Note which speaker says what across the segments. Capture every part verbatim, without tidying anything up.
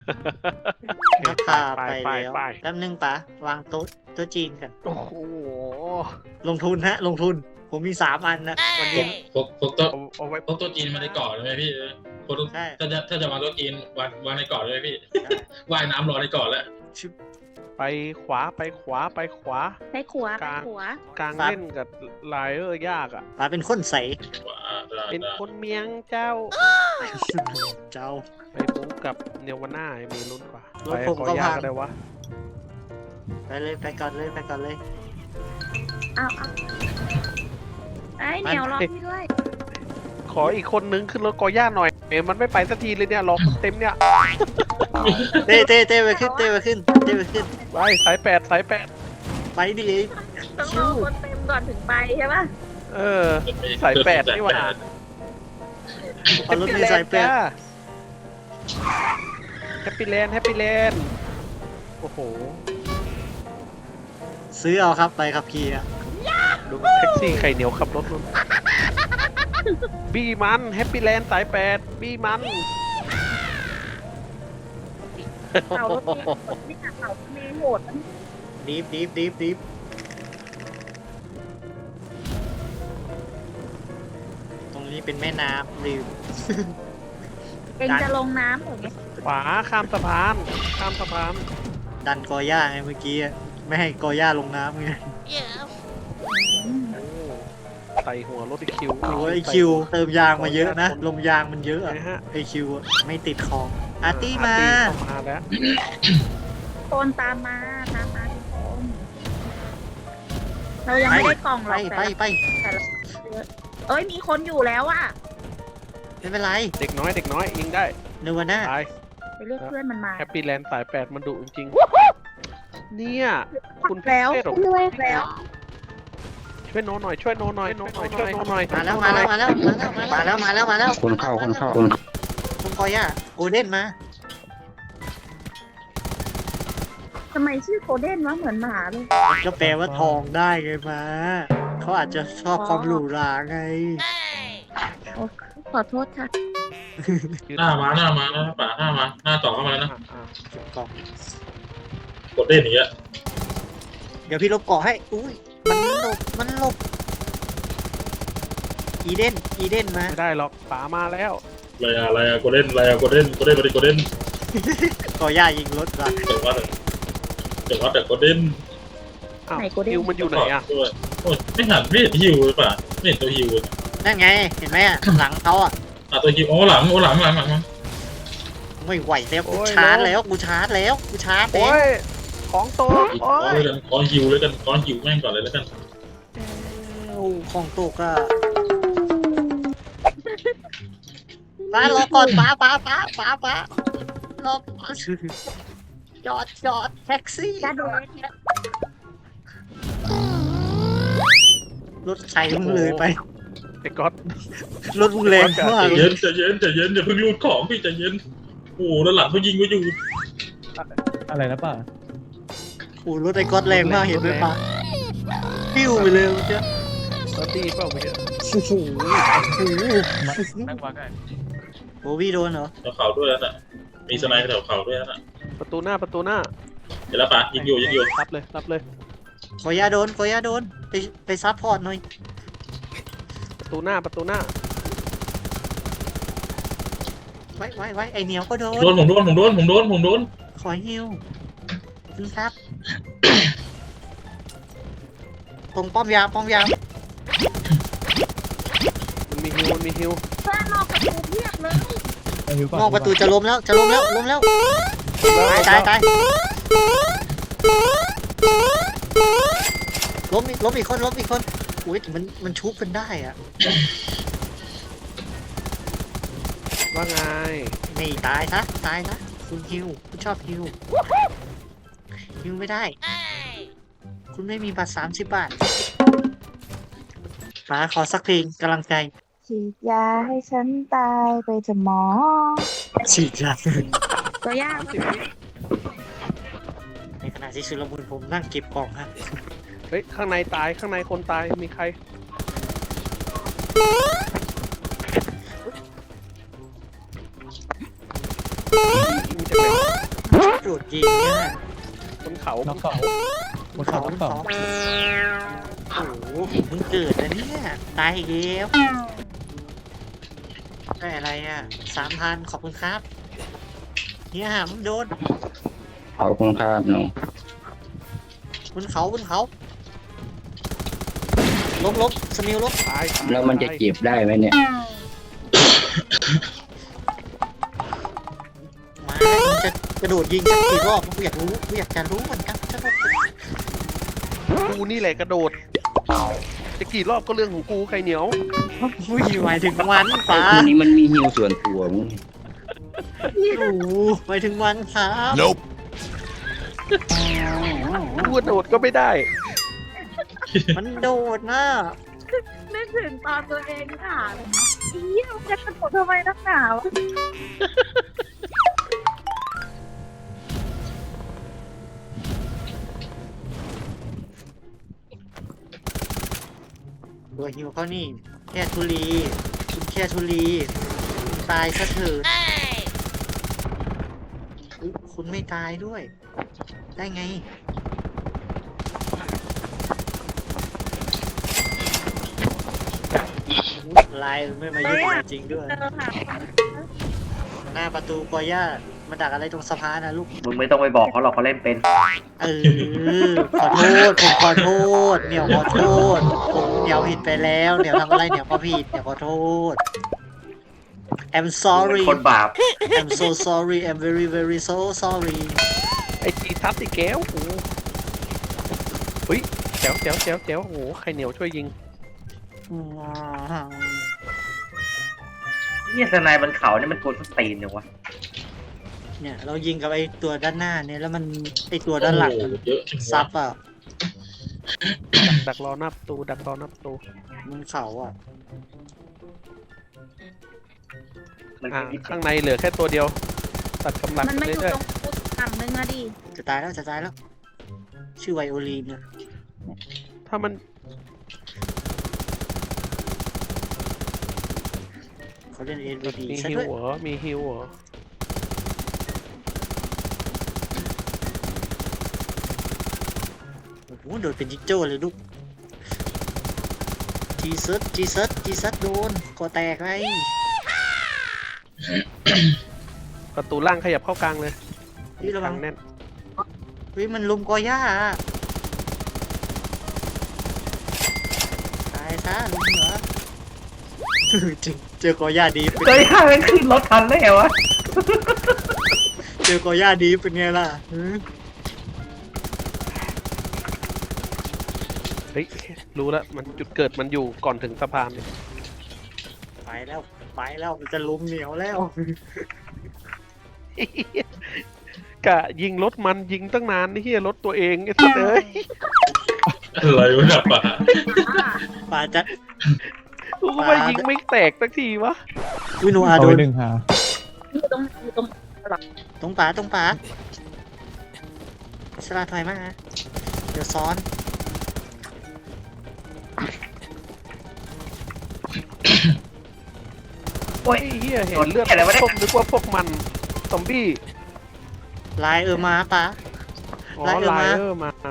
Speaker 1: นักพาไปแล้วแป๊บนึงปะวางโต๊ะโต๊ะจีนกัน
Speaker 2: โอ้โห
Speaker 1: ลงทุนฮะลงทุนผมมีสามอันนะวันนี้
Speaker 3: พกพกโต๊ะ
Speaker 2: เอาเอาไว้
Speaker 3: พกโต๊ะจีนมาในเกาะเลยไหมพี่พก
Speaker 1: ใช่
Speaker 3: ถ้าจะถ้าจะวางโต๊ะจีนวางวางในเกาะเลยไหมพี่ว่ายน้ำรอในเกาะแล้ว
Speaker 1: ชิบ
Speaker 2: ไปขวาไปขวาไปขวา
Speaker 4: ไปขวาไปขวาก
Speaker 2: ลางเล่นกับไลเออร์ยากอ่ะ
Speaker 1: ปาเป็นคนใส
Speaker 3: ว้าได้
Speaker 2: เป็น
Speaker 3: ได้
Speaker 2: คนเมียงเจ้า
Speaker 1: เจ้า
Speaker 2: ไปปุ๊บกับเนวาน่ามีลุ้นกว่า
Speaker 1: ร
Speaker 2: ไป
Speaker 1: ถผม
Speaker 2: ขอ
Speaker 1: ก็
Speaker 2: ยาก
Speaker 1: พัง
Speaker 2: ก็ได้วะ
Speaker 1: ไปเลยไปก่อนเลยไปก่อนเลย
Speaker 4: อ้าวอ้าวไอ้เหนียวรอพี่ด้วย
Speaker 2: ขออีกคนนึงขึ้นรถกอย่าหน่อยเอ็มมันไม่ไปสักทีเลยเนี่ยรอคนเต็มเนี่ย
Speaker 1: เต้เต้เต้ไปขึ้นเต้ไปขึ้นเต้ไปขึ้น
Speaker 2: ไปสายแปดสายแปด
Speaker 1: ไปดิ
Speaker 4: ต้องรอคนเต็มก่อนถึงไปใช่ปะ
Speaker 2: เออ สายแปดนี่หว่า
Speaker 1: พอรถมีสายแปด
Speaker 2: แฮปปี้แลนด์แฮปปี้แลนด์โอ้โห
Speaker 1: ซื้อเอาครับไปขับขี่อะ
Speaker 2: ดูแท็กซี่ไข่เหนียวขับรถนู่นบี้มันแฮปปี้แลนด์สายแปดบี้มัน
Speaker 4: เขารถเมล์นี่ค่ะเขารถเมล์โหดนะ
Speaker 1: ดีฟดีฟดีฟดีฟตรงนี้เป็นแม่น้ำลืม
Speaker 4: เองจะลงน้ำเหรอเนี่ย
Speaker 2: ขวาข้ามสะพานข้ามสะพาน
Speaker 1: ดันกอย่าไงเมื่อกี้อะไม่ให้กอย่าลงน้ำไง
Speaker 2: โอ้ใส่หัวรถอีคิว
Speaker 1: โอ้ยไอคิวเติมยางมาเยอะนะลมยางมันเยอะอะ
Speaker 2: นะฮะ
Speaker 1: ไอคิวอะไม่ติดคองอาร์ตี้มา
Speaker 2: อาร์ตี้เข้ามาแล้ว
Speaker 4: โคนตามมาตามมาทุกคนเรายังไม่ได้กล่องหร
Speaker 1: ไป
Speaker 4: อก
Speaker 1: ไป
Speaker 4: แต่
Speaker 1: ไป
Speaker 4: แต่ละเอ้ยมีคนอยู่แล้วอะ
Speaker 1: ไม่เป็นไร
Speaker 2: เด็กน้อยเด็กน้อยยิงได้
Speaker 1: เนวาน่า
Speaker 2: ตาย
Speaker 4: ไปเรียกเพื่อนมันมา
Speaker 2: แฮปปี้แลนด์สายแปดมันดุจริงๆเนี่ยคุณ
Speaker 4: แล้ว
Speaker 2: เทพเหรอ
Speaker 4: ด้วยแล้ว
Speaker 2: ช่วยโน้หน่อยช่วยโน้หน่อยโน้หน่อยช่วยโน้หน่อย
Speaker 1: มาแล้วมาแล้วมาแล้วมาแล้วมาแล้วมาแล้วมาแล้ว
Speaker 5: คนเข้าคนเข้าคน
Speaker 1: คุณกอย่าโกลเด้นมา
Speaker 4: ทำไมชื่อโคเด้นวะเหมือนหมาเลย
Speaker 1: ก็แปลว่าทองได้ไงมาเขาอาจจะชอบความหรูหราไง
Speaker 4: โอ้ขอโทษค่ะ
Speaker 3: หน้ามาหน้ามาหน้าป่าหน้ามาหน้าต่อเข้ามาแล้วนะ
Speaker 2: อ่ะอ่ะ
Speaker 1: เก็บกล่อง
Speaker 3: กดเล่นอย่างเงี้ย
Speaker 1: เดี๋ยวพี่ลบเกาะให้อุ้ยมันหลบมันหลบอีเดนอีเดนมา
Speaker 2: ไม่ได้หรอกป๋ามาแล้ว
Speaker 3: อะไรอะอะไรอะกดเล่นอะไรอะกดเล่นกดเล่นกดเล่นกดเล่น
Speaker 1: กอย่ายิงรถว่ะ
Speaker 3: เดี๋ยววัดเดี๋ยววัดแต่กดเล่น
Speaker 2: อ้าว
Speaker 4: ไหนโกเด้น
Speaker 2: ฮิวมันอยู่ไหนอ่ะ
Speaker 3: ด้วยโอ้ยไม่หันไม่เห็นฮิวเลยป่ะไม่เห็นตัวฮิวเลย
Speaker 1: นั่นไงเห็นไหมอะหลังเขาอ่ะ
Speaker 3: อ่ะตัวฮิวโอ้หลังโอ้หลังหลังหลัง
Speaker 1: ไม่ไหวแล้วกูชาร์จแล้วกูชาร์จแล้วกูชาร์จแล้
Speaker 2: โอ้
Speaker 1: วย
Speaker 2: ของโต
Speaker 3: อีก
Speaker 2: โอ้
Speaker 3: ก้อน
Speaker 2: ย
Speaker 3: เลยกันก้อนฮิวเลยกันก้อนฮิวแม่งก่อนเลยแล้วกัน
Speaker 1: โอ้ของตกอ่ะป้ารอก่อนป้าป้าป้าป้าป้ารอก่อนจอดจอดแท็กซี่
Speaker 4: กระโดด
Speaker 1: รถใส่มึงเลยไป
Speaker 2: ไอ้ก๊อต
Speaker 1: รถมึงแรงมาก
Speaker 3: ใจเย็นใจเย็นใจเย็นอย่าเพิ่งรูดของพี่ใจเย็นโอ้ด้านหลังเขายิงไว้อยู่
Speaker 5: อะไรนะป้า
Speaker 1: โอ้รถไอ้ก๊อตแรงมากเห็นไหมปะปิ้วไปเลยเมื่อกี้
Speaker 2: ก๊อตตีเปล่าเมื่อกี้
Speaker 1: โอ้โหโอ้โห
Speaker 5: นั่งวางกัน
Speaker 1: โบวี่โดนเหรอ
Speaker 3: แถวเขาด้วยนั่นน่ะมีสไนเปอร์แถวเขาด้วยนั่นน่ะ
Speaker 2: ประตูหน้าประตูหน้า
Speaker 3: เห็นแล้วป่ะยิงอยู่ยิงอยู่
Speaker 2: รับเลยรับเลย
Speaker 1: กอยาโดนกอยาโดนไปไปซัพพอร์ตหน่อย
Speaker 2: ประตูหน้าประตูหน้า
Speaker 1: ไว้ไว้ไว้ไอเหนียวก็โดน
Speaker 3: โดนผมโดนผมโดนผมโดนผมโดน
Speaker 1: ขอฮิวคุณครับ ตรงป้อมยามป้อมยาม
Speaker 2: มันมีฮิวมันมีฮิว
Speaker 4: เพื่อนนอกประตูเพียบเลย
Speaker 1: นอกประตูจะล้มแล้วจะล้มแล้วล้มแล้วตายตายตายล้มอีกล้มอีกคนล้มอีกคนอุ้ยแต่มันมันชุบกันได้อะ
Speaker 2: ว่าไง
Speaker 1: ไม่ตายซะตายซะคุณฮิวคุณชอบฮิวฮิวไม่ได้ คุณไม่มีบัตรสามสิบบาทมาขอสักเพลงกำลังใจ
Speaker 4: ฉีดยาให้ฉันตายไปจะหมอ
Speaker 1: ฉีดยา
Speaker 4: ตัวยาก
Speaker 1: ในขณะที่ชุลมุนผมนั่งเก็บกล่องฮะ
Speaker 2: เฮ้ยข้างในตายข้างในคนตายมีใครมีจากไหน
Speaker 1: ดดยิงเนี่ย
Speaker 2: บนเขา
Speaker 5: น้องเขาบนเขาน้องเขา
Speaker 1: โอ้โหผมเพิ่งเกิดนะเนี่ยตายอีกแล้วได้อะไรอ่ะสามพันขอบคุณครับเนี่ยมึงโดน
Speaker 6: ขอบคุณครับหนู
Speaker 1: บนเขาบนเขาลบลบสมิลลบ
Speaker 2: ตายตาย
Speaker 6: แล้วมันจะเจ็บได้ไหมเนี่ย
Speaker 1: มามึงจะกระโดดยิงสักกี่รอบกูอยากรู้กูอยากจะรู้เหมือนกันจะรอบ
Speaker 2: กูนี่แหละกระโดด จะกี่รอบก็เรื่องของกูไข่เหนียว
Speaker 1: อุ้ยหมายถึงวัน
Speaker 6: ไอ้
Speaker 1: ฟ้า
Speaker 6: พวกนี้มันมีฮิวส่วนตัวมึง
Speaker 1: โอ้โหหมายถึงวันครับ
Speaker 2: กูกระโดดก็ไม่ได้
Speaker 1: มันโดดนะ
Speaker 4: นึกถึงตอนตัวเองค่ะอีมันจะกระโดดทำไมนักหนาว
Speaker 1: ตัวฮิวเขานี่แค่ทุลีคุณแค่ทุลีคุณตายซะเถอะอุ๊ยคุณไม่ตายด้วย ได้ไงลายไม่มายุ่งจริงด้วย
Speaker 4: เจอค่ะ
Speaker 1: หน้าประตูกอย่ามาดักอะไรตรงสะพานนะลูก
Speaker 7: มึงไม่ต้องไปบอกเขาหรอกเขาเล่นเป็น
Speaker 1: เออ ขอโทษ ผมขอโทษ เหนียวขอโทษ ผมเหนียวผิดไปแล้ว เหนียวทำอะไรเหนียวก็ผิดเหนียวขอโทษ I'm
Speaker 7: มึง
Speaker 1: sorry
Speaker 7: เป็นคนบาป
Speaker 1: I'm so sorry I'm very very so sorry
Speaker 2: ไอ้จีทับไอ้แก้วโอ้โหเฮ้ยแจ๋วแจ๋วแจ๋วแจ๋วโอ้โหไข่เหนียวช่วยยิง
Speaker 7: เนี่ยสนายบนเขาเนี่ยมันกวนสตีนเนี่ยวะ
Speaker 1: เนี่ยเรายิงกับไอ้ตัวด้านหน้าเนี่ยแล้วมันไอ้ตัวด้านหลังมัน
Speaker 3: โอ้โเยอะจังวะ
Speaker 1: ซับอ่ะ
Speaker 2: ดักดักรอหน้าประตูดักรอหน้าประตู
Speaker 1: มันเขาอ่ะ
Speaker 7: มัน
Speaker 2: อ่า
Speaker 7: เป็น
Speaker 2: ข้างในเหลือแค่ตัวเดียว ตัดกำลัง
Speaker 4: มัน
Speaker 2: ไป
Speaker 4: มาอยู่
Speaker 2: เรื่อย
Speaker 4: ตรงฟุตฝั่งนึงอะดิ
Speaker 1: จะตายแล้วจะตายแล้ว ชื่อไวโอลีนเนี่ย
Speaker 2: ๆถ้ามัน
Speaker 1: เขาเล่นเอ็นบีดี
Speaker 2: มี
Speaker 1: ซะ
Speaker 2: ฮิว
Speaker 1: ด้วย
Speaker 2: เหรอมีฮิวเหรอ
Speaker 1: โอ้โหโดนเป็นจิกโจ้เลยลูกจีซัสจีซัสจีซัสโดนคอแตกไง
Speaker 2: ประตูล่างขยับเข้ากลางเลย
Speaker 1: พี่ระวัง
Speaker 2: แน่น
Speaker 1: เฮ้ยมันลุมกอย่าอะตายซะลุมเหรอ เจอเจอกอย่าดีเป็น
Speaker 7: เฮ้ยห้ามันขึ้นรถทันได้ไงวะ
Speaker 1: เจอกอย่าดีเป็นไงล่ะหือ
Speaker 2: เฮ้ยรู้แล้วมันจุดเกิดมันอยู่ก่อนถึงสะพานเลย
Speaker 1: ไปแล้วไปแล้วมันจะลุมเหนียวแล้ว
Speaker 2: กะยิงรถมันยิงตั้งนานนี่เฮียรถตัวเองไอ้สัสเอ้ย
Speaker 3: อะไรวะเนี่ยป่ะ
Speaker 1: ป่าจะ
Speaker 2: กูก็ไม่ยิงไม่แตกสักทีวะ
Speaker 1: วินูอา
Speaker 5: เอา
Speaker 1: โด
Speaker 5: ไว้
Speaker 1: น
Speaker 5: หนึ่งหา
Speaker 4: อยู่ตรงอยู่ตรง
Speaker 1: ตรงป่าตรงป่าสลาถอยมาเดี๋ยวซ้อน
Speaker 7: โอ้ย
Speaker 2: ไอ้เฮียเห็
Speaker 7: โด
Speaker 2: น
Speaker 7: น
Speaker 2: เลือด
Speaker 7: อะไรวะเนี่ย
Speaker 2: ต้มนึกว่าพวกมันซอมบี้
Speaker 1: ลายเออมาป่า
Speaker 2: อ๋อ
Speaker 1: ไล่เออ
Speaker 2: ไล
Speaker 1: มา
Speaker 2: เออร์มา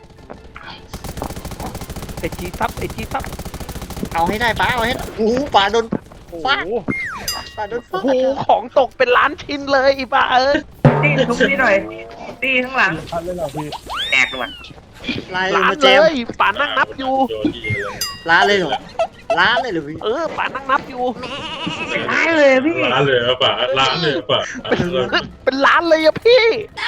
Speaker 2: ไอจีทับไอจีทับ
Speaker 1: เอาให้ได้ป่าเอาให้โอ้โหป่าโดน
Speaker 2: โอ้
Speaker 1: ฟาด
Speaker 2: โห
Speaker 1: ป่าโดน
Speaker 2: โอ้
Speaker 1: ฟา
Speaker 2: โห
Speaker 1: ด
Speaker 2: ของตกเป็นล้านชิ้นเลยอีบ้าเอ้ย
Speaker 7: ตีทุบนี่หน่อยตีข้างหลัง
Speaker 5: พัดเลยเหรอพี่
Speaker 7: แตกเลยว่ะ
Speaker 1: ลายเออ
Speaker 2: ล้าน
Speaker 1: มาเจ
Speaker 2: เล
Speaker 1: ม
Speaker 2: ยป่านั่งนับอยู่
Speaker 3: โดนดีเลย
Speaker 1: ล้านเลยเหรอล้านเลยเหรอพี่
Speaker 2: เออป่านั่งนับอยู่
Speaker 7: เป็นร้ายเลยพี่
Speaker 3: ร้านเลยอะป่ะร้านเลยอะป่ะ
Speaker 2: เป็นล้านเลยอะพี่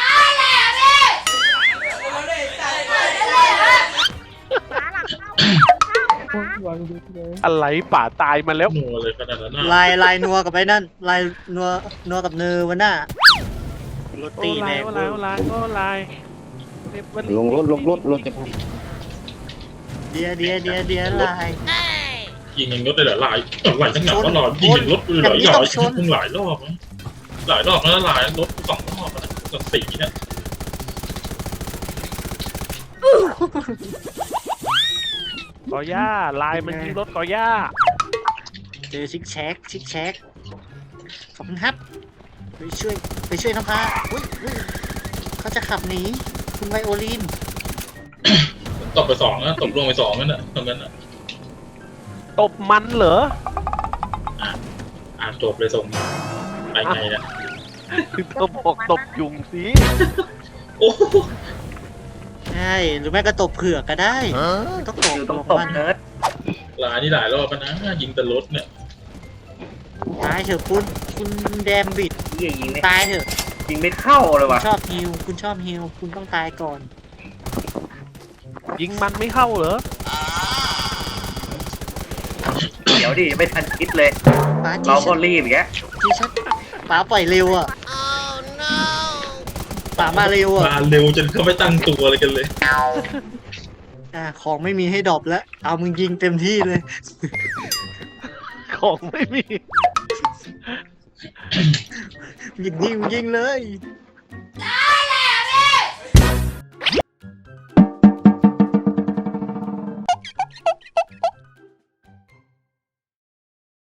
Speaker 4: ฟ้าหลังเข้าเข้าฟ้า
Speaker 5: วางดูเลย
Speaker 2: อะไรป่าตายมาแล้ว
Speaker 3: นัวเลยขนาดนั้นน่ะ
Speaker 1: ลายลายนัวกับไอ้นั่นลายนัวนัวกับเนอวันน่ะรถ
Speaker 2: โอ้
Speaker 1: ตี
Speaker 2: ลา
Speaker 1: แร
Speaker 2: ย
Speaker 1: ง
Speaker 2: โอ้
Speaker 1: เว้
Speaker 2: ลาย
Speaker 1: ย
Speaker 2: โอ้ลายโอ้ลาย
Speaker 6: ลงรถลงรถรถจะพัง
Speaker 1: เดียเดียเดียเดียลาย
Speaker 3: ยิงอย่างรถได้เหรอหลายหลายจังหวะตลอดยิงอย่างรถเลยเหรอหลายยิงหลายรอบนะหลายรอบแล้วหลายรถสองรอบนะกับสีเนี่ย
Speaker 2: กอย่าลายมันยิงรถกอย่า
Speaker 1: เจอชิกแชกชิกแชกขอบคุณครับไปช่วยไปช่วยน้ำพาอุ้ยอุ้ยขับหนีคุณไวโอลิน
Speaker 3: ตบไปสองนะตบลงไปสองนั่นน่ะตรงนั้นน่ะ
Speaker 2: ตบมันเหรอ
Speaker 3: อ่านจบเลยส่งไปไงเนี่ย
Speaker 2: เธอบอกตบยุงสิ
Speaker 3: โอ้โห
Speaker 1: ใช่หรือไม่ก็ตบเผือกก็ได้ไม่ต้องตบ
Speaker 7: อยู่ตรง
Speaker 1: ต
Speaker 7: ต
Speaker 1: บบ มัน
Speaker 7: เนิร์ด
Speaker 3: หลายนี่หลายรอบแล้วนะยิงแต่รถเนี่ย
Speaker 1: ตายเถอะคุณคุณแดมบิด
Speaker 7: เหี้ยยิงไม่
Speaker 1: ตายเถอะ
Speaker 7: ยิงไม่เข้าเลย
Speaker 1: คุณ
Speaker 7: ว่ะ
Speaker 1: ชอบฮิวคุณชอบฮิวคุณต้องตายก่อน
Speaker 2: ยิงมันไม่เข้าเหรอ
Speaker 7: เดี๋ยวดิไม่ทันคิดเลย
Speaker 1: ป้าจี
Speaker 7: เรา
Speaker 1: ชั
Speaker 7: ก็
Speaker 1: ด
Speaker 7: รีบอย่างเงี้ย
Speaker 1: จีชัดป้าปล่อยเร็วอ่ะป้ามาเร็วอ่ะ
Speaker 3: มาเร็วจนเขาไม่ตั้งตัวอะไรกันเลย
Speaker 1: อ่าของไม่มีให้ดรอปแล้ว เอามึงยิงเต็มที่เลย
Speaker 2: ของไม่มี
Speaker 1: ยิงยิงยิงเลย